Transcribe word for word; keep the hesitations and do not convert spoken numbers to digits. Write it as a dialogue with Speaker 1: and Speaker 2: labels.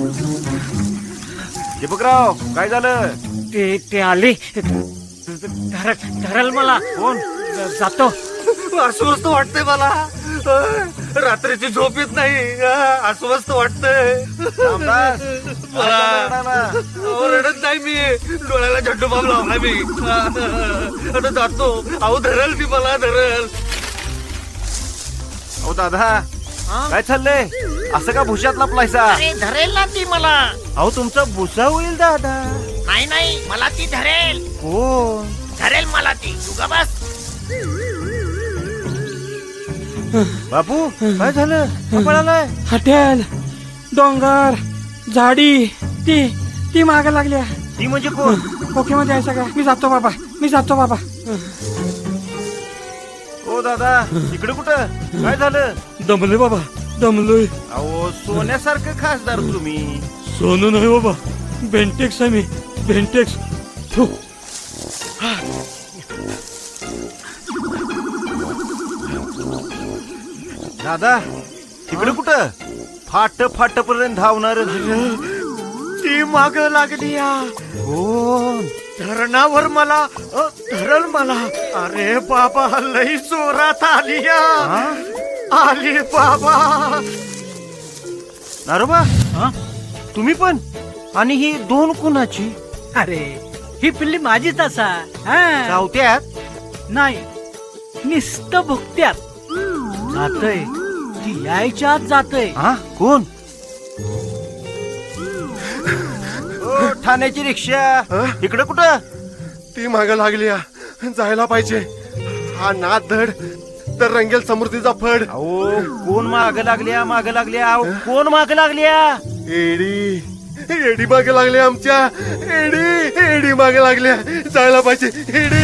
Speaker 1: दीपकराव काय झालं?
Speaker 2: ते ते आले धर धरल मला.
Speaker 1: कोण?
Speaker 2: जातो.
Speaker 3: अस्वस्थ वाटतंय मला. रात्रीची झोप येत नाही. अस्वस्थ वाटतंय.
Speaker 1: रामदास, काय झालं रडायला?
Speaker 3: अहो, रडत नाही मी. डोळ्याला झड्डू बाम लावला मी. आता जातो. अहो धरल ती मला धरल.
Speaker 1: अहो दादा काय चाललंय? असं का भुशात लपलायसा?
Speaker 2: अरे धरेल ना ती मला.
Speaker 1: अहो तुमचा भुसा होईल दादा.
Speaker 2: नाही नाही मला ती धरेल.
Speaker 1: कोण?
Speaker 2: धरेल मला ती. तू का बस.
Speaker 1: बापू काय झालं? पळालाय.
Speaker 4: हॉटेल डोंगर झाडी ती ती माग लागल्या.
Speaker 1: ती म्हणजे कोण?
Speaker 4: ओके मध्ये आहे सगळं. मी जातो बाबा. मी जातो बाबा.
Speaker 1: ओ दादा इकडे कुठं? काय झालं?
Speaker 4: दमलोय बाबा. दमलोय.
Speaker 1: अहो सोन्यासारखं खासदार तुम्ही.
Speaker 4: सोनू नाही बाबा. बेंटेक्स आहे मी. बेंटेक्स. थू.
Speaker 1: दादा तिकडे कुठं? फाट फाट पर्यंत धावणार.
Speaker 3: ती माग लागली.
Speaker 1: कोण?
Speaker 3: धरणावर मला अ, धरल मला. अरे बाबा लई जोरात आली.
Speaker 1: हा?
Speaker 3: आली बाबा.
Speaker 1: नारोबा तुम्ही पण? आणि ही दोन कुणाची?
Speaker 2: अरे ही पिल्ली माझीच असा.
Speaker 1: चावत्यात?
Speaker 2: नाही निस्त भुकत्यात. जातय ती यायच्या आत जातय.
Speaker 1: हा कोण? ओ, ठाण्याची रिक्षा इकडे कुठं?
Speaker 3: ती माग लागली. जायला पाहिजे. हा नाद धड तर रंगेल समृद्धीचा फड.
Speaker 1: अहो कोण माग लागल्या? माग लागल्या? अहो, कोण माग लागल्या?
Speaker 3: एडी एडी मागे लागले आमच्या. एडी एडी मागे लागल्या. जायला पाहिजे. एडी